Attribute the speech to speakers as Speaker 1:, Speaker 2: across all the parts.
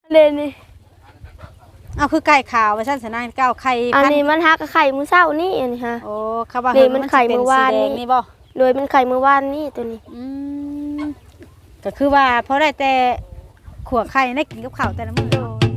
Speaker 1: เด่นนี่
Speaker 2: เอาคือไก่ขาวว่าซั่นสนางเก้าไข่
Speaker 1: อันนี้มันฮักไข่มื้อเช้านี่อันนี้ฮะ
Speaker 2: โอ้เขาว่า
Speaker 1: นี่มันไข่มื้อวาน
Speaker 2: นี่บ่
Speaker 1: โดยมันไข่มื้อวานนี่ตัวนี้
Speaker 2: ก็คือว่าเพราะได้แต่ขัวไข่ได้กินกับข้าวแต่ละมื้อ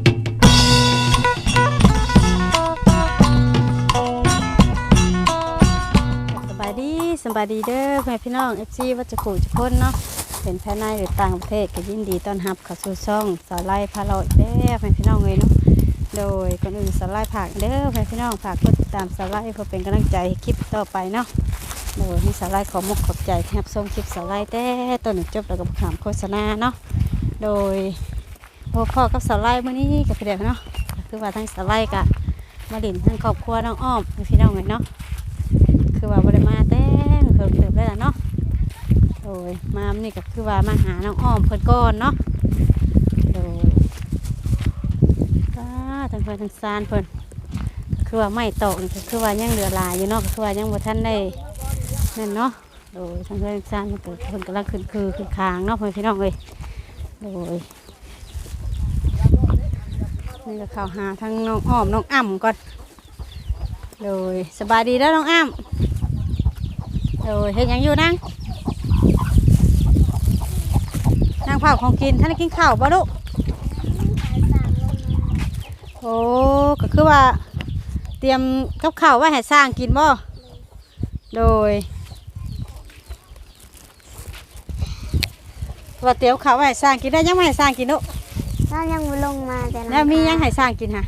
Speaker 2: สบายดีเด้อแม่พี่น้อง FC วัดจะขู่จะพ้นเนาะเป็นภายในหรือต่างประเทศก็ยินดีต้อนรับเข้าสู่ช่องสาวไล่พาเราเด้อแม่พี่น้องเลยเนาะโดยก่อนอื่นสาวไล่ผักเด้อแม่พี่น้องฝากกดติดตามสาวไล่เพื่อเป็นกำลังใจให้คลิปต่อไปเนาะโดยมีสาวไล่ขอมุกขอบใจที่รับชมคลิปสาวไล่แต่ต้นจบแล้วก็ถามโฆษณาเนาะโดยพ่อกับสาวไล่เมื่อนี้กับพี่เด็กเนาะคือว่าทั้งสาวไล่กับมาดินทั้งครอบครัวน้องอ้อมพี่น้องเลยเนาะคือว่าบริมาแต่งเพิ่มเติมได้แล้วเนาะโดยมานี่ก็คือว่ามาหาน้องอ้อมเพิ่นก่อนเนาะโดยทั้งเพิ่นทั้งซานเพิ่นคือว่าไม่ตกนี่คือว่ายังเหลือหลายอยู่เนาะคือว่ายังบ่ทันได้นั่นเนาะโดยทั้งเพิ่นทั้งซานเพิ่นกำลังขึ้นคางเนาะพี่น้องเอ้ยโดยนี่ก็เข้าหาทั้งน้องอ้อมน้องอ้ำก่อนโดยสบายดีแล้วน้องอ้ำโดยเฮ็ดหยังอยู่นั่งเผาของกินท่านได้กินข้าวบ่ลูกโอ้ก็คือว่าเตรียมกับข้าวไว้ให้สร้างกินบ่โดยว่าเตรียมข้าวไว้ให้สร้างกินได้ยังไม่ให้สร้างกินลูก
Speaker 1: ถ้ายังไม่ลงมาแต่
Speaker 2: แล้วมียังให้สร้างกินฮะ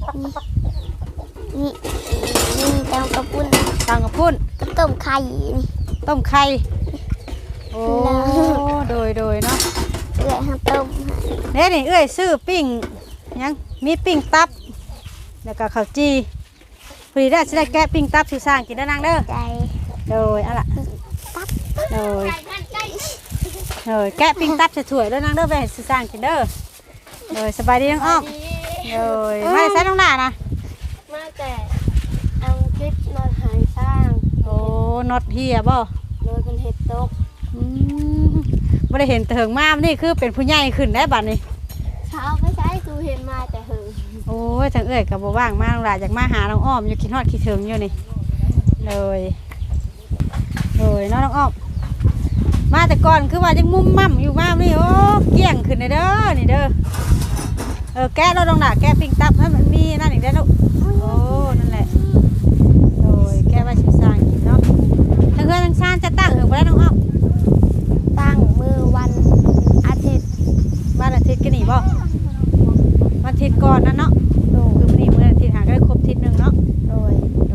Speaker 1: มีแตงกระปุ้นกับต้มไข่
Speaker 2: ต้มไข่โอ้โดยเนาะ
Speaker 1: เอื้อยให้ต้ม
Speaker 2: เนี่ยนี่เอื้อยซื้อปิ้งยังมีปิ้งตับแล้วก็ข้าวจีพอดีได้จะได้แกะปิ้งตับที่สร้างกินได้นางเด้อ
Speaker 1: ใจ
Speaker 2: โดยอะไรตับโดยแกะปิ้งตับจะถ่วยแล้วนางเด้อไปให้สร้างกินเด้อโดยสบายดีน้องอ้อมโดยไม่ใช่น้องหน้านะ
Speaker 1: มาแต่เอาคลิปนอนหายสร้าง
Speaker 2: โอ้น็อตเฮียบ่
Speaker 1: โดยเป็นเห็ดตก
Speaker 2: ไม่ได้เห็นเถิงมากนี่คือเป็นผู้ใหญ่ขึ้นได้บัดนี้
Speaker 1: เช้าไม่ใช่ตูเห็นมาแต่หึง
Speaker 2: โอ้ยจังเอ้ยกับบ่ว่างมากหลายอยากมาหาน้องอ้อมอยู่คิดฮอดคิดถึงอยู่นี่เลยน้องอ้อมมาแต่ก่อนคือว่ายังมุ่มมั่มอยู่มากนี่โอ้เกี่ยงขึ้นเลยเด้อนี่เด้อแก้เราลองด่าแก้ปิ้งตับให้มันมีนั่นอีกได้ลูกโอ้นั่นแหละโดยแก้ไว้ชิซานกินเนาะถ้าเพื่อนทั้งชาติจะตั้งไปแล้วน้องอ้อม
Speaker 1: ตั้งมือวันอาทิตย์
Speaker 2: กันนี่บ่วันอาทิตย์ก่อนนั่นเนาะคือวันนี้มื้ออาทิตย์หาก็ได้ครบอาทิตย์นึงเนาะโดย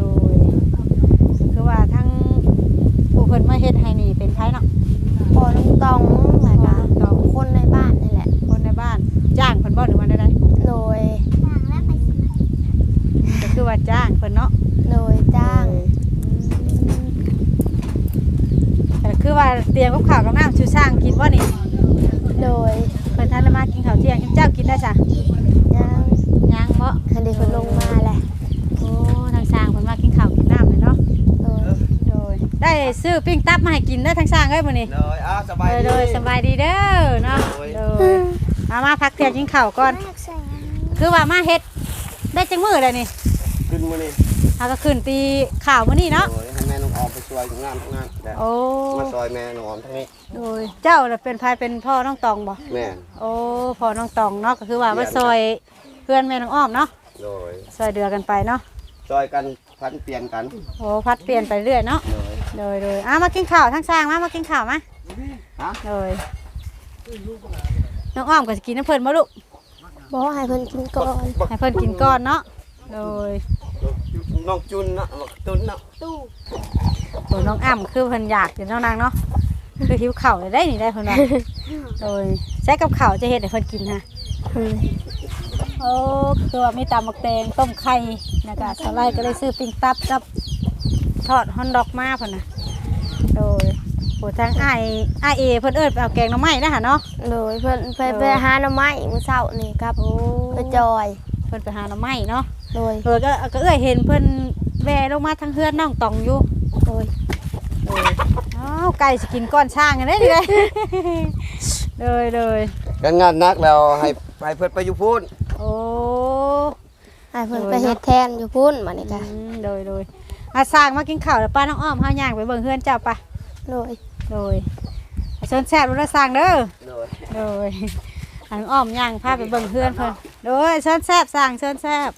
Speaker 2: คือว่าทั้งผู้คนมาเฮ็ดให้นี่เป็นไผเนาะ
Speaker 1: พอลุงตองแล้วก็คนในบ้านนี่แหละ
Speaker 2: คนในบ้านจ้างเพิ่นบ่หรือว่าได้
Speaker 1: โดย
Speaker 2: ก็คือว่าจ้างเพิ่นเนาะ
Speaker 1: โดยจ้าง
Speaker 2: แต่คือว่าเตรียมกับข้าวกับน้ำชูช่างกินบ่นี่
Speaker 1: โดย
Speaker 2: เพิ่นทันมากินข้าวเที่ยงเจ้ากินได้จ้ะยังบ่
Speaker 1: คันเด็กคนลงมาแหละ
Speaker 2: โอ้ทางช่างเพิ่นมากินข้าวกินน้ำเลยเนาะโดยได้ซื้อปิ้งตับมาให้กินเด้อทางช่างเอ้ยมื้อนี้
Speaker 3: สบาย
Speaker 2: ดีเด้อเนาะมาพักเที่ยงกินข้าวก่อนคือว่ามาเฮ็ดได้จังมื้อเลยนี่
Speaker 3: ขึ้นมื้อนี้
Speaker 2: ก็ขึ้นตีข้าวมื้อนี้เนาะ
Speaker 3: ให้แม่น้องออมไปช่วยงานโอ้มาซอยแม่น้องออมทั้งนี้
Speaker 2: โดยเจ้าเป็นภายเป็นพ่อน้องตองบ่
Speaker 3: แม่
Speaker 2: โอ้พ่อน้องตองเนาะก็คือว่ามาซอยเพื่อนแม่น้องอ้อมเนาะ
Speaker 3: โดย
Speaker 2: ซอยเดือกันไปเนาะ
Speaker 3: ซอยกันพัดเปลี่ยนกัน
Speaker 2: โอ้พัดเปลี่ยนไปเรื่อยเนาะโดยมากินข้าวทั้งสร้างมากินข้าวมาโดยน้องอ้อมก็จะกินน้ำเพิ่นบ่ลูก
Speaker 1: บ่ให้เพิ่นกินก่อน
Speaker 2: ให้เพิ่นกินก่อนเนาะโดย
Speaker 3: น้องจุนเนาะตุนเนาะ
Speaker 2: ตัวน้องอ้ำคือเพิ่นอยากกินน้องนางเนาะคือหิวข้าวได้นี่ได้เพิ่นว่าโดยใช้กับข้าวจะเฮ็ดให้เพิ่นกินฮะโอ้คือว่ามีตำบักแตงต้มไข่แล้วก็สไลด์ก็เลยซื้อปิ้งตับกับทอดฮอนดอกมาเพิ่นน่ะโดยผู้ทางอ้ายเอเพิ่นเอิ้นไปเอาแกงหน่อไม้นะฮะเนาะ
Speaker 1: โดยเพิ่นไปหาหน่อไม้มื้อเช้านี่ครับไปจอย
Speaker 2: เพิ่นไปหาหน่อไม้เนาะ
Speaker 1: โดย
Speaker 2: ก็เอ้ยเห็นเพิ่นแวะลงมาทางเฮือนน้องตองอยู่
Speaker 1: โดย
Speaker 2: ไก่สิกินก้อนช่างกันได้เลยเลย
Speaker 3: กันงานนักแล้วให้ไปเพิ่นไปอยู่พุ่น
Speaker 2: โอ้
Speaker 1: ให้เพิ่นไปเฮ็ดแทนอยู่พุ่นบัดนี้ก็
Speaker 2: โดยอาสร้างมากินข้าวแล้วป้าน้องอ้อมเฮาย่างไปเบิ่งเฮือนเจ้าปะ
Speaker 1: โดย
Speaker 2: โดยเชิญแซ่บรู้ละสร้างเด้อ
Speaker 3: โดย
Speaker 2: โดยอันอ้อมย่างพาไปเบิ่งเฮือนเพิ่นโดยเชิญแซ่บสร้างเชิญแซ่บ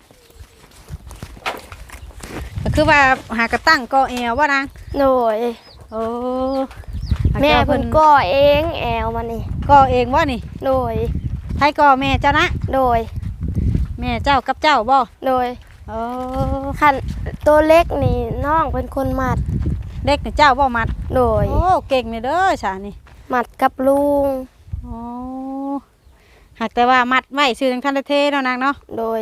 Speaker 2: ก็คือว่าหากระตั้งก่อแอวว่านาง
Speaker 1: โดย
Speaker 2: โอ้
Speaker 1: แม่เพิ่นก่อเองแอวมันนี่
Speaker 2: ก่อเองบ่นี่
Speaker 1: โดย
Speaker 2: ไผก่อแม่เจ้านะ
Speaker 1: โดย
Speaker 2: แม่เจ้ากับเจ้าบ่
Speaker 1: โดย
Speaker 2: โอ้
Speaker 1: คันตัวเล็กนี่น้องเป็นคนมัด
Speaker 2: เด็กนี่เจ้าบ่มัด
Speaker 1: โดย
Speaker 2: โอ้เก่งนี่เด้อฉานี่
Speaker 1: มัดกับลุง
Speaker 2: โอ้หากแต่ว่ามัดไว้ซื้อจังทันได้เทเนาะนางเนาะ
Speaker 1: โดย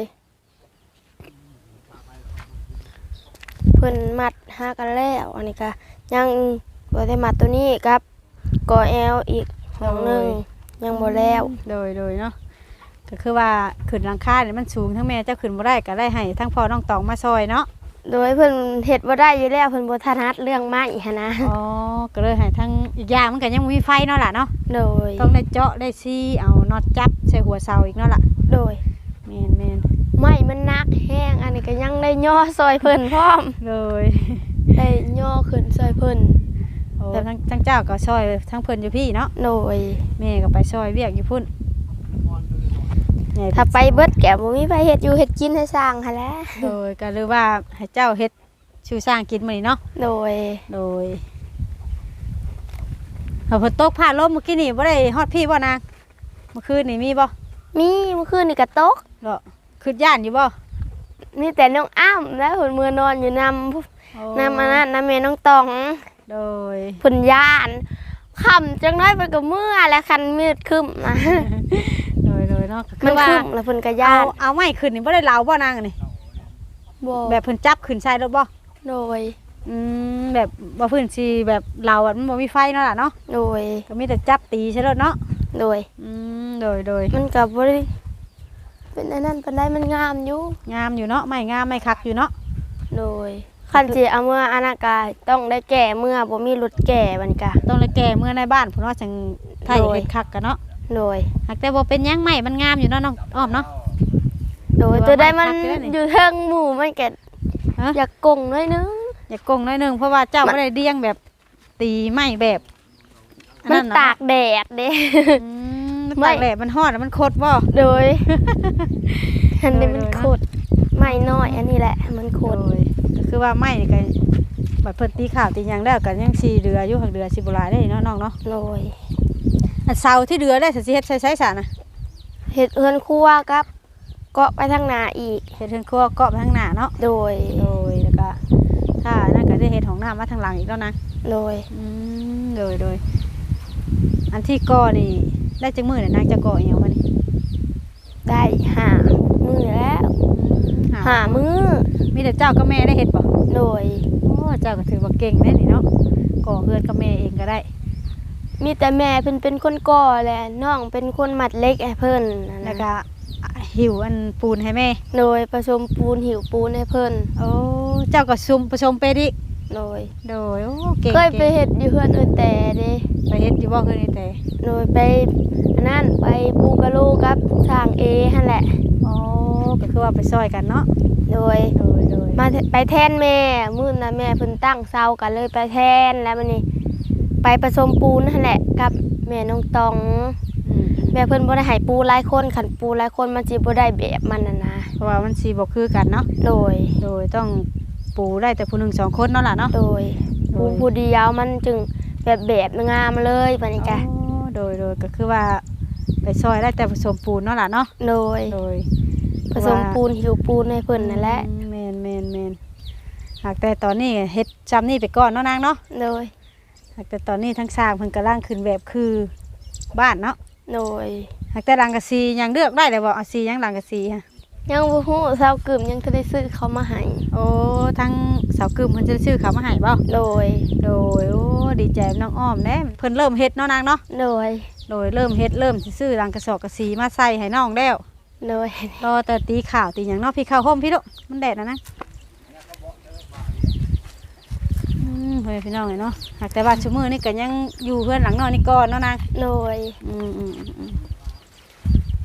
Speaker 1: เพิ่นมัดหากันแล้วอันนี้ก็ยังบ่ได้มัดตัวนี้ครับก่อแอวอีกห้องหนึงยังบ่แล้ว
Speaker 2: โดยเนาะก็คือว่าขึ้นหลังคาเนี่ยมันสูงทั้งแม่เจ้าขึ้นบ่ได้ก็ได้ให้ทั้งพ่อน้องตองมาซอยเนาะ
Speaker 1: โดยเพิ่นเฮ็ดบ่ได้อยู่แล้วเพิ่นบ่ถนัดเรื่องไม้หันนะ
Speaker 2: อ๋อก็เลยให้ทั้งอีกอย่างมันก็ยังบ่มีไฟเนาะล่ะเนาะ
Speaker 1: โดย
Speaker 2: ต้องได้เจาะได้ซี่เอาน็อตจับใส่หัวเสาอีกเนาะล่ะ
Speaker 1: โดย
Speaker 2: แม่น
Speaker 1: ไม้มันหนักแห้งอันนี้ก็ยังได้ย่อซอยเพิ่นพร้อม
Speaker 2: เลย
Speaker 1: ได้ย่อขึ้นซอยเพิ่น
Speaker 2: โอ้ทั้งเจ้าก็ซอยทั้งเพิ่นอยู่พี่เนาะ
Speaker 1: โดย
Speaker 2: แม่ก็ไปซอยเวียกอยู่พุ่นใหญ่
Speaker 1: ถ้าไปเบิดแก่บ่มีไผเฮ็ดอยู่เฮ็ดกินให้สร้างหั่นแหละ
Speaker 2: โดยก็เลยว่าให้เจ้าเฮ็ดชูสร้างกินมื้อนี้เนาะ
Speaker 1: โดย
Speaker 2: โดยเอาฝนตกผ่าลมเมื่อกี้นี่บ่ได้ฮอดพี่บ่นางเมื่อคืนนี่มีบ่
Speaker 1: มีเมื่อคืนนี่ก็ตก
Speaker 2: เหรอคือย่านอยู่บ่
Speaker 1: มีแต่น้องอ้ำแล้วเพิ่นมื้อนอนอยู่นำอันนั้นนำแม่น้องตอง
Speaker 2: โดย
Speaker 1: เพิ่นย่านค่ำจังน้อยเพิ่นก็เมื่อแล้วคันมืดครึ้มนะ
Speaker 2: โดยเนาะ
Speaker 1: มัน
Speaker 2: ว่า
Speaker 1: ครึ้มแล้วเพิ่นก็ย่า
Speaker 2: เอา
Speaker 1: น
Speaker 2: ไม้ขึ้นนี่บ่ได้เหลาบ่นางอันนี่
Speaker 1: บ่
Speaker 2: แบบเพิ่นจับขึ้นใส่รถบ่
Speaker 1: โดย
Speaker 2: แบบบ่พื้นสิแบบเหลาอะมันบ่มีไฟเนาะล่ะเนาะ
Speaker 1: โดย
Speaker 2: ก็มีแต่จับตีใช่รถเนาะ
Speaker 1: โดย
Speaker 2: โดย
Speaker 1: มันก็บ่ได้เป็นอันนั้นปานใดมันงามอยู่
Speaker 2: งามอยู่เนาะไม้งามไม้คักอยู่เนาะ
Speaker 1: โดยคันสิเอาเมื่ออานากาต้องได้แก่เมื่อบ่มีรถแก่บัดนี้ก็
Speaker 2: ต้องเลยแก่เมื่อในบ้านพุ่นว่าจังไทย
Speaker 1: โดย
Speaker 2: เฮ็ดคักกันเนาะ
Speaker 1: โดย
Speaker 2: หากแต่บ่เป็นหยังไม้มันงามอยู่เนาะน้องอ้อมเนาะ
Speaker 1: โดย
Speaker 2: หรือว่า
Speaker 1: ตัวได้มัน
Speaker 2: มันคักอยู่แล้วนี่
Speaker 1: อยู่เทิงหมู่มันก็
Speaker 2: ฮะ
Speaker 1: อยากกงน้อยนึง
Speaker 2: อย่ากงน้อยหนึงเพราะว่าเจ้าบ่ได้เลี้ยงแบบตีไม้แบบอั
Speaker 1: มัน
Speaker 2: เะ
Speaker 1: ตากแดดเด้
Speaker 2: มัน
Speaker 1: ไม่
Speaker 2: ตากแดดมันฮ้อนแล้วมันคดบ่
Speaker 1: โดยอันนี้มัน
Speaker 2: โดย
Speaker 1: โคตรไม่น้อยอันนี้แหละมันโคตร
Speaker 2: โดยก็คือว่าไม้นี่ก็บัดเพิ่นตีข้าวตีหยังแล้วก็ยังสิเดืออยู่หักเดือสิบ่หลายได้เนาะน้องเนาะ
Speaker 1: โดย
Speaker 2: อันเสาที่เดือได้สิเฮ็ดใช้ซะนะ
Speaker 1: เฮ็ดเฮือนครัวครับเกาะไปทางหน้าอีก
Speaker 2: เฮ็ดเฮือนครัวเกาะไปทางหน้าเนาะ
Speaker 1: โดย
Speaker 2: แล้วก็ถ้านั่นก็ได้เฮ็ดของน้ำมาทางหลังอีกแล้วนะ
Speaker 1: โดย
Speaker 2: โดยอันที่ก่อนี่ได้จังมื้อน่ะนางจะก่ออีหยังมานี่
Speaker 1: ได้5 มื้อแล้ว5 มื้อ
Speaker 2: มีแต่เจ้ากับแม่ได้เฮ็ดบ่
Speaker 1: โดย
Speaker 2: โอ้เจ้าก็ถือว่าเก่งแน่นี่เนาะก่อเฮือนกับแม่เองก็ได้
Speaker 1: มีแต่แม่เพิ่นเป็นคนก่อแหละน้องเป็นคนมัดเหล็กให้เพิ่นนั่น
Speaker 2: แล้ว
Speaker 1: นะ
Speaker 2: ก็หิวอันปูนให้แม่
Speaker 1: โดยผสมปูนหิวปูนให้เพิ่น
Speaker 2: โอ้เจ้าก็ผสมเป็ดอีก
Speaker 1: โดย
Speaker 2: โดยโอ้เก่ง
Speaker 1: เคยไปเฮ็ดอยู่เฮือนอื่นแต่เด้
Speaker 2: ไปเฮ็ดอยู่บ่เฮือนนี่แต่
Speaker 1: โดยไปอันนั้นไปปูกะโลกับสร้างเอหั่นแหละ
Speaker 2: โอ้ก็คือว่าไปซอยกันเนาะ
Speaker 1: โดย
Speaker 2: โดย
Speaker 1: มาไปแทนแม่มื้อน่ะแม่เพิ่นตั้งเซากันเลยไปแทนแล้วมันนี่ไปผสมปูนนั่นแหละกับแม่น้องตอง แม่เพิ่นบ่ได้ให้ปูหลายคนคันปูหลายคนมันสิบ่ได้แบบมันน่ะนะ
Speaker 2: เพราะว่ามันสิบ่คือกันเนาะ
Speaker 1: โดย
Speaker 2: โดยต้องปูได้แต่ผู้หนึ่งสองคนเนาะล่ะเนาะ
Speaker 1: โดยปูผู้เดียวมันจึงแบบงามเลยบัดนี้จ้ะ
Speaker 2: โดยก็คือว่าไปซอยได้แต่ผสมปูนเนาะล่ะเนาะ
Speaker 1: โดย
Speaker 2: โดย
Speaker 1: ผสมปูนหิวปูนให้เพิ่นนั่นแหละ
Speaker 2: แม่นหากแต่ตอนนี้เฮ็ดจำนี่ไปก่อนเนาะนางเนาะ
Speaker 1: โดย
Speaker 2: หากแต่ตอนนี้ทั้งสร้างเพิ่นกำลังขึ้นแบบคือบ้านเนาะ
Speaker 1: โดย
Speaker 2: หากแต่หลังกะซียังเลือกได้เลยบ่เอาซียังหลังกะซีฮะ
Speaker 1: ยังบ่ฮู้เซากึ่มยังทันได้ซื้อเขามาให้
Speaker 2: โอ้ทั้งเสากึมเพิ่นจะซื้อเขามาให้บ่
Speaker 1: โดย
Speaker 2: โดยโอ้ดีใจน้องอ้อมแน่เพิ่นเริ่มเฮ็ดเนาะนางเนาะ
Speaker 1: โดย
Speaker 2: โดยเริ่มเฮ็ดเริ่มสิซื้อหลังกระสอบกระสีมาใส่ให้น้องแล้ว
Speaker 1: โดย
Speaker 2: รอแต่ตีข่าวตีหยังเนาะพี่ข้าวห่มพี่ลูกมันแดดนะเฮ้ยพี่น้องเลยเนาะหากแต่ว่าชั่วมือนี่ก็ยังอยู่เพื่อนหลังนอนนี่ก่อนเนาะนาง
Speaker 1: โดย
Speaker 2: อืม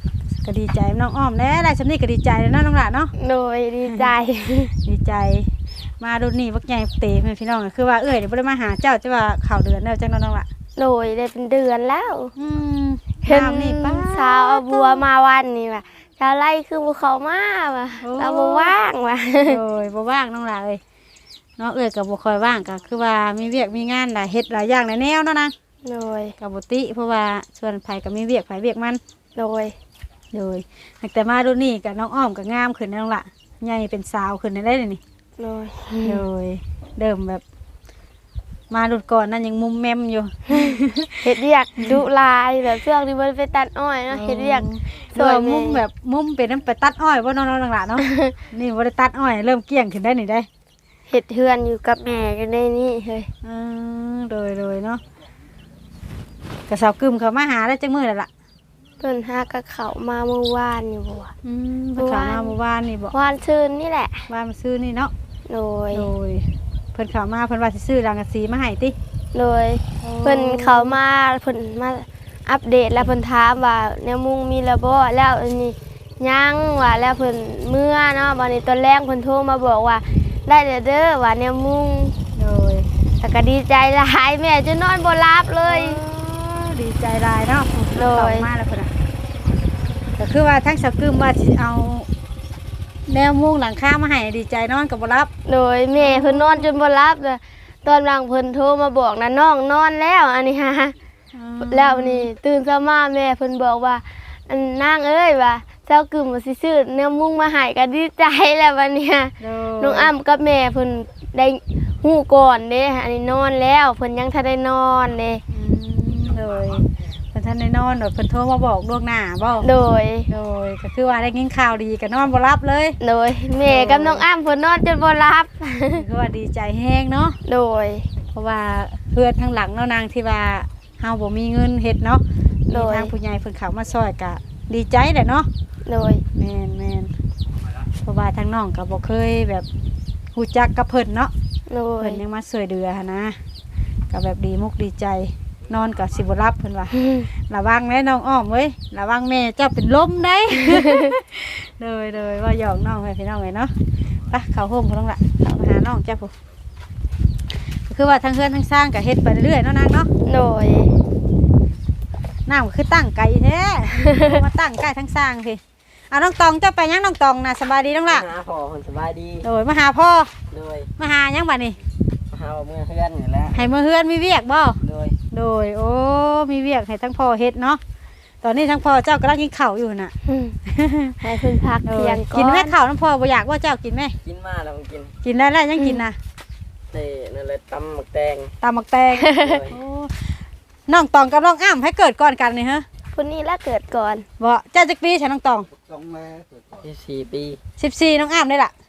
Speaker 2: ก็ดีใจน้องอ้อมแน่ได้สำนี้ก็ดีใจแล้วเนาะน้องหล่ะเนาะ
Speaker 1: โดยดีใจ
Speaker 2: ดีใจมาดูนี่บักใหญ่เตะพี่น้องก็คือว่าเอ้ยเดี๋ยวบ่ได้มาหาเจ้าจะว่าข่าวเดือนแล้วจังน้องล่ะ
Speaker 1: โดยได้เป็นเดือนแล้ว
Speaker 2: เห็นนี่ป้า
Speaker 1: เช้าเอาบัวมาวันนี่ว่ะเช้าไล่คือบัวเขามาว่ะเราบัว่างว่ะ
Speaker 2: โอ้ยบ่ว่างน้องล่ะเอ้ยเนาะเอ้ยก็บ่ค่อยว่างก็คือว่ามีเวียกมีงานหลายเฮ็ดหลายอย่างหลายแนวเนาะนาง
Speaker 1: โดย
Speaker 2: ก็บ่ติเพราะว่าส่วนไผก็มีเวียกไผเวียกมัน
Speaker 1: โดย
Speaker 2: เลยแต่มาดูนี่กับน้องอ้อมกับงามขึ้นน้องละใหญ่เป็นสาวขึ้นได้เลยนี่
Speaker 1: โดย
Speaker 2: เลยเดิมแบบ มาดูก่อนนั่นยังมุมแมมอยู่
Speaker 1: เฮ็ดเรียกดุลายแบบช่วงที่มันไปตัดอ้อยเนาะเฮ็ดเรียก
Speaker 2: สวยมุมแบบมุมเป็นน้ำไปตัดอ้อยว่าน้องๆหล่ะเนาะ นี่ว่าได้ตัดอ้อยเริ่มเกลี้ยงขึ้นได้นี่ได้
Speaker 1: เฮ็ดเฮือนอยู่กับแม่กันได้นี่เฮ้ย
Speaker 2: เลยเนาะกระสาวกึมเขามาหาได้จังมือแล้วล่ะ
Speaker 1: เพิ่นหากระเขามาเมื่อวานอยู่บ่วะ
Speaker 2: เพิ่นเขามาเมื่อวานนี่บอก
Speaker 1: วานชื่นนี่แหละ
Speaker 2: ว่ามาซื้อนี่เนาะ
Speaker 1: โดย
Speaker 2: โดยเพิ่นเขามาเพิ่นว่าสิซื้อรังกะสีมาให้ติ
Speaker 1: โดยเพิ่นเขามาเพิ่นมาอัปเดตแล้วเพิ่นถามว่าแนวมุงมีแล้วบ่แล้วอันนี้ยังว่าแล้วเพิ่นเมื่อเนาะบัดนี้ตอนแรกเพิ่นโทรมาบอกว่าได้เด้อว่าแนวมุง
Speaker 2: โดย
Speaker 1: แล้วก็ดีใจหลายแม่จะนอนบ่หลับเลย
Speaker 2: ดีใจหลายเนาะ
Speaker 1: โดย
Speaker 2: เข้ามาแล้วเพิ่นน่ะก็คือว่าทั้งสาวกึมว่าสิเอาแนวมุงหลังคามาให้ดีใจนอนก็บ่รับ
Speaker 1: โดยแม่เพิ่นนอนจนบ่หลับเลยตอนหลังเพิ่นโทรมาบอกนะน้องนอนแล้วอันนี้ฮะแล้วนี่ตื่นเช้ามาแม่เพิ่นบอกว่าอันนางเอ้ยว่าเจ้ากึ่มว่าสิซื้อแนวมุงมาให้ก็ดีใจแล้ววันเนี้ย น้องอ้ำกับแม่เพิ่นได้ฮู้ก่อนเด้อันนี้นอนแล้วเพิ่นยังทันได้นอนเด้
Speaker 2: เลยเพิ่นท่านได้นอนเพิ่นโทรมาบอกล่วงหน้าบ่
Speaker 1: โดย
Speaker 2: โดยก็คือว่าได้ยินข่าวดีก็นอนบ่รับเลย
Speaker 1: โดยแม่กับน้องอ้ำเพิ่นนอนจนบ่หลับ
Speaker 2: คือว่าดีใจแห้งเนาะ
Speaker 1: โดย
Speaker 2: เพราะว่าเพื่อนทางหลังเนาะนางที่ว่าเฮาบ่มีเงินเฮ็ดเนาะ
Speaker 1: โดย
Speaker 2: มีทางผู้ใหญ่เพิ่นเข้ามาช่วยก็ดีใจแหละเนาะ
Speaker 1: โดย
Speaker 2: แม่นเพราะว่าทางน้องก็บ่เคยแบบฮู้จักกับเพิ่นเนาะ
Speaker 1: โดย
Speaker 2: เพิ่นยังมาช่วยเหลือหั้นนะก็แบบดีมุกดีใจนอนก็สิบ่รับเพิ่นว่า ระวังแม่น้องอ้อมเว้ยระวังแม่เจ้าเป็นลมได้ เลยว่าหยอกน้องให้พี่น้องไว้เนาะไปเข้าห้องพุ่นละเข้ามาหาน้องจ้าผู้ก็คือว่าทั้งเฮือนทั้งสร้างก็เฮ็ดไปเรื่อยๆเนาะนางเนาะ
Speaker 1: โดย
Speaker 2: น้ำก็คือตั้งไก่แท้ มาตั้งไก่ทั้งสร้างพี่น้องตองเจ้าไปยังน้องตองนะสบายดีน้องละ
Speaker 4: มาหาพ่อคนสบายดี
Speaker 2: โดยมาหาพ่อ
Speaker 4: โดย
Speaker 2: มาหายังบัดนี้
Speaker 4: มาหาเมื่อเพื่อนนี่แหละ
Speaker 2: ให้มาเฮือนมีเวียกบ่
Speaker 4: โดย
Speaker 2: โดยโอ้มีเวียกให้ทั้งพ่อเฮ็ดเนาะตอนนี้ทั้งพ่อเจ้ากำลังกินข้าวอยู่น่ะ
Speaker 1: ให้เพิ่นพักเที่ยงก่อน
Speaker 2: กินแม่ข้าวน้ำพ่อบ่อยากว่าเจ้ากินไหม
Speaker 4: กินมาแล้วมันกิน
Speaker 2: กินได้แล้วยังกินนะ
Speaker 4: เต้นั่นเลยตำหมักแตง
Speaker 2: ตามหมักแตง
Speaker 4: โดย
Speaker 2: โอ้น้องตองกับน้องอ้ำให้เกิดก่อนกันนี่ฮะ
Speaker 1: คนนี้ละเกิดก่อน
Speaker 2: บ่เจ้าจักปีฉันน้องตอง
Speaker 3: ต้องแม่
Speaker 4: 24 ปี
Speaker 2: 14น้องอ้ำได้ล่ะ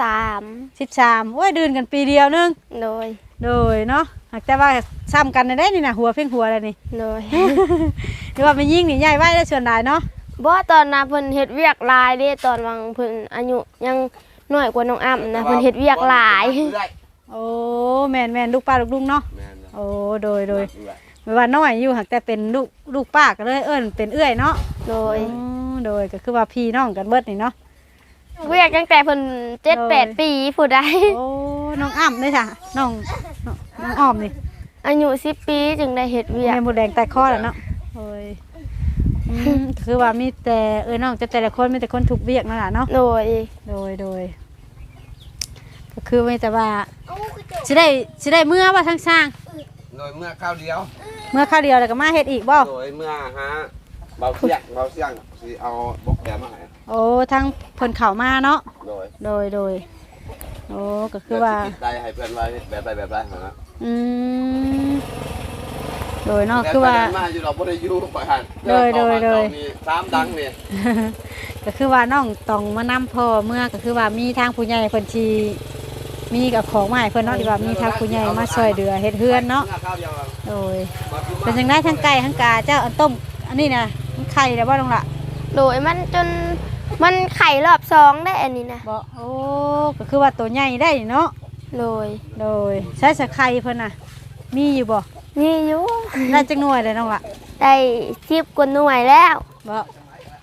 Speaker 1: 13
Speaker 2: 13โอ้ยดืนกันปีเดียวนึง
Speaker 1: โดย
Speaker 2: โดยเนาะหากแต่ว่าซ้ำกันได้นี่นะหัวเพ่งหัวอะไรนี่
Speaker 1: โดย
Speaker 2: หรือว่ามันยิ่งนี่ใหญ่ไว้ได้ส่วนใดเนาะ
Speaker 1: บ่ตอนนั้นเพิ่นเฮ็ดเวียกหลายเด้ตอนวังเพิ่นอายุยังน้อยกว่าน้องอ้ำนะเพิ่นเฮ็ดเวียกหลาย
Speaker 2: โอ้แม่นลูกป้าลูกลุงเนาะ
Speaker 3: แม่น
Speaker 2: โอ้โดยไม่ว่าน้อยอยู่หากแต่เป็นลูกป้าก็เลยเอิ้นเป็นเอื้อยเนาะ
Speaker 1: โดย
Speaker 2: โดยก็คือว่าพี่น้องกันเบิดนี่เนาะ
Speaker 1: เวียกตั้งแต่เพิ่น7-8 ปีผู้ใด
Speaker 2: โอ้น้องอ้ำเลยค่ะน้องอ้อมนี่
Speaker 1: อายุ10 ปีจึงได้เฮ็ดเวียก
Speaker 2: แม่หมูแดงแต่คอแล้วเนาะโอ้ยคือว่ามีแต่น้องแต่ละคนมีแต่คนถูกเวียกนั่นแหละเนาะ
Speaker 1: โดย
Speaker 2: โดยก็คือไม่แต่ว่าสิได้เมื่อว่าทั้งสร้าง
Speaker 3: โดยเมื่อข้าวเดียว
Speaker 2: เมื่อข้าวเดียวแล้วก็มาเฮ็ดอีกบ่
Speaker 3: โดยเมื่อฮะเบาเสียงสิเอาบอกแกมาให้
Speaker 2: โอ้ทั้งเพิ่นเข้ามาเนาะ
Speaker 3: โดย
Speaker 2: โดยโอ้ก็คือว่า
Speaker 3: เพื่นสิคิดได้ให้เพื่อนไว้แบบใดนะ
Speaker 2: อืมโดยเนาะคือว่า
Speaker 3: มาอยู่เราบ่ได้อยู่ไปหัน
Speaker 2: โดย
Speaker 3: มี3ดังนี่
Speaker 2: ก็คือว่าน้องต้องมานำพ่อเมื่อก็คือว่ามีทางผู้ใหญ่เพิ่นสิมีกับของมาให้เพิ่นเนาะที่ว่ามีทางผู้ใหญ่มาช่วยเหลือเฮ็ดเฮือนเนาะ
Speaker 3: มื่อข้าวเดียว
Speaker 2: โดยเป็นจังได๋ทั้งไก่ทั้งกาเจ้าอันต้มอันนี้น่ะมันไข่แล้วบ่น้องล่ะ
Speaker 1: โดยมันจนมันไข่รอบ2ได้อันนี้นะ
Speaker 2: บ่โอ้ก็คือว่าตัวใหญ่ได้เนาะ
Speaker 1: โดย
Speaker 2: ใช้สะไข่เพิ่นน่ะมีอยู่บ่
Speaker 1: มีอยู่
Speaker 2: ได้จักหน่วยเลยน้องล่ะ
Speaker 1: ได้10 กว่าหน่วยแล้ว
Speaker 2: บ่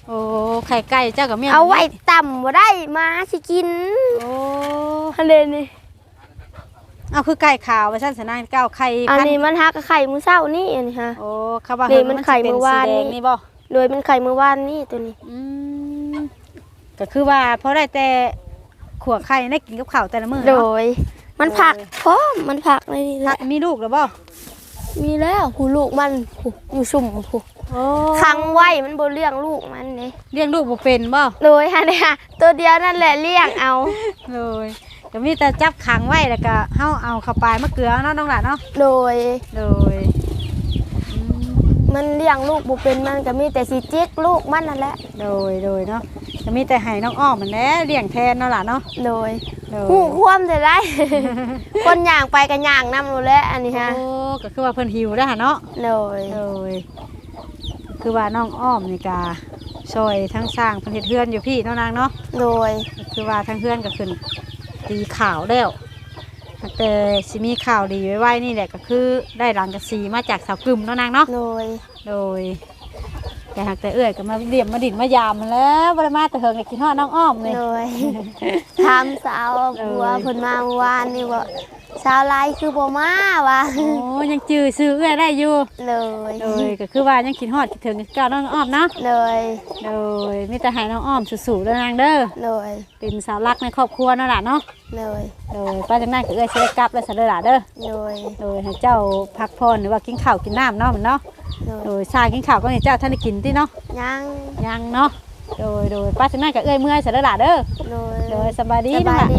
Speaker 2: โอ้ไข่ไก่เจ้ากับเมีย
Speaker 1: เอาไว้ต่ำบ่ได้มาสิกิน
Speaker 2: โอ้
Speaker 1: อันเดนี่
Speaker 2: เอาคือไก่ขาวว่าซั่นสนานเก้าไข่
Speaker 1: อัน
Speaker 2: พัน
Speaker 1: นี้มันฮักกับไข่มื้อเช้านี่อันนี้ฮะ
Speaker 2: โอ้เขาว่า
Speaker 1: นี่มันไข่เมื่อวาน
Speaker 2: สี
Speaker 1: นี่
Speaker 2: แดงนี่บ่
Speaker 1: โดยมันไข่มื้อวานนี่ตัวนี้
Speaker 2: อืมก็คือว่าเพราะได้แต่ขัวไข่ได้กินกับข้าวแต่ละมื้อ
Speaker 1: โด
Speaker 2: เนาะ
Speaker 1: ย มันผักพร้อมมันผักเลยนี่แห
Speaker 2: พั
Speaker 1: ละ
Speaker 2: กมีลูกแล้วบ่
Speaker 1: มีแล้วหูลูกมันหูอยู่สุ่มหู
Speaker 2: โอ้
Speaker 1: ขังไว้มันบ่เลี้ยงลูกมันนี่
Speaker 2: เลี้ยงลูกบ่เป็นบ่
Speaker 1: โดยฮะเนี่ยตัวเดียวนั่นแหละเลี้ยงเอา
Speaker 2: เลยก็มีแต่จับขังไว้แล้วก็เฮาเอาเข้าไปมะเกลือเนาะน้องหลานเนาะ
Speaker 1: โดย
Speaker 2: โดยอืม
Speaker 1: มันเลี้ยงลูกบ่เป็นมันก็มีแต่สิจิกลูกมันนั่นแหละ
Speaker 2: โดยเนาะก็มีแต่ให้น้องอ้อมมันแหละเลี้ยงแทนเนาะล่ะเนาะ
Speaker 1: โดย
Speaker 2: โดย
Speaker 1: หูความจะได้ คนย่างไปก็ย่างนำรู้แล้วอันนี้ฮะ
Speaker 2: โอ้ก็คือว่าเพิ่นหิวแล้วหั่นเนาะ
Speaker 1: โดย
Speaker 2: โดยคือว่าน้องอ้อมนี่ก็ช่วยทั้งสร้างเพิ่นเฮ็ดเฮือนอยู่พี่เนาะนางเนาะ
Speaker 1: โดย
Speaker 2: ก็คือว่าทั้งเฮือนก็ขึ้นตีข่าวแล้วแต่สิมีข่าวดีไว้นี่แหละก็คือได้หลังกระสีมาจากสาวกึมเนาะนางเนาะ
Speaker 1: โดย
Speaker 2: โดยแต่หากแต่เอื้อยก็มาเดี่ยมมาดินมายามมันแล้วบ่ได้มาแต่เฮิงเลยกินฮอดน้องอ้อมเลย
Speaker 1: โดย ถามสาวบัวเพิ่นมาเมื่อวานนี่ว่าสาวลายคือบ่มาวะ
Speaker 2: โอ้ยังจื้อซื้อเอื้อยได้อยู่
Speaker 1: เลย
Speaker 2: โดยก็คือว่ายังกินฮอดคิดถึงเก่าน้องอ้อมเนาะ
Speaker 1: เลย
Speaker 2: โดยมีแต่ให้น้องอ้อมสู้ๆเด้อนางเด้อ
Speaker 1: เลย
Speaker 2: เป็นสาวรักในครอบครัวเนาะล่ะเนาะ
Speaker 1: เลย
Speaker 2: โดยป้าจังนั้นก็เอื้อยสิได้กลับแล้วซะเด้อล่ะเด้อ
Speaker 1: เลย
Speaker 2: โดยให้เจ้าพักผ่อนหรือว่ากินข้าวกินน้ำเนาะมันเนาะ
Speaker 1: เลย
Speaker 2: โดยชากินข้าวก็ให้เจ้าท่านได้กินติเนาะ
Speaker 1: ยัง
Speaker 2: ยังเนาะโดยป้าจังนั้นก็เอื้อยเมื่อยซะเด้อล่ะเด้อ
Speaker 1: เลย
Speaker 2: โดยสบายดี
Speaker 1: ส
Speaker 2: เนาะ
Speaker 1: บาย
Speaker 2: ล่ะ
Speaker 1: ดี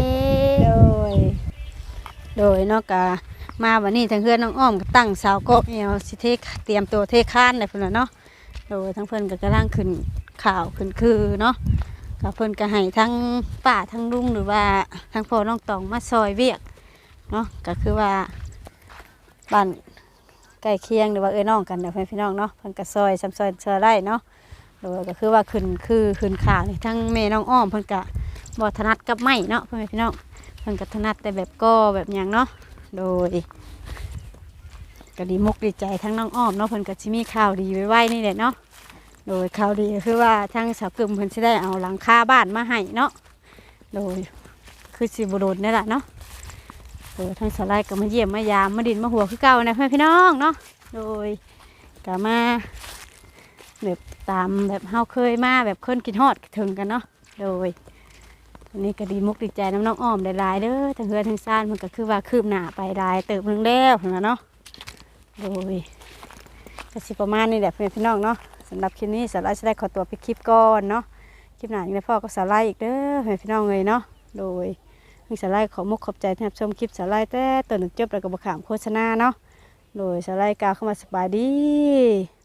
Speaker 2: โดยเนาะกะมาวันนี้ทางเพื่อนน้องอ้อมก็ตั้งเสาโกะเอวสิเทเตรียมตัวเทคานเลยเพิ่นน่ะเนาะโดยทั้งเพิ่นก็กำลังขึ้นข่าวขึ้นคือเนาะกับเพิ่นก็ให้ทั้งป้าทั้งลุงหรือว่าทั้งพ่อน้องตองมาซอยเวียกเนาะก็คือว่าบ้านใกล้เคียงหรือว่าเอ้ยน้องกันเดี๋ยวพี่น้องเนาะเพิ่นก็ซอยซ้ำซอยได้เนาะโดยก็คือว่าขึ้นข่าวนี่ทั้งแม่น้องอ้อมเพิ่นก็บ่ถนัดกับไม้เนาะพี่น้อง เพิ่นก็ถนัดแต่แบบก็แบบหยังเนาะ โดยก็ดีมุกดีใจทั้งน้องอ้อมเนาะเพิ่นก็สิมีข่าวดีไว้นี่แหละเนาะ โดยข่าวดีก็คือว่าทั้งสาวกึมเพิ่นสิได้เอาหลังคาบ้านมาให้เนาะ โดยคือสิบ่โดนนี่แหละเนาะ โดยทั้งสาวไร่ก็มาเยี่ยมมายามมาดินมาหัวคือเก่านะเพื่อนพี่น้องเนาะ โดยก็มาแบบตามแบบเฮาเคยมาแบบคนกินฮอดถึงกันเนาะ โดย วันนี้ก็ดีมุกดีใจน้ำน้องอ้อมหลายๆเด้อทั้งเฮือทั้งซ่านมันก็คือว่าคืบหน้าไปหลายเติบนึงแล้วเห็นไหมเนาะโดยก็สิประมาณนี้แหละเพื่อนพี่น้องเนาะสำหรับคลิปนี้สาวไลจะได้ขอตัวไปคลิปก่อนเนาะคลิปหน้ายังได้พ่อก็สาวไลอีกเด้อเพื่อนพี่น้องเลยเนาะโดยทางสาวไลขอมุกขอบใจที่รับชมคลิปสาวไลแต่ต้นจนจบแล้วก็บ่ขามโฆษณาเนาะโดยสาวไลกล่าวเข้ามาสบายดี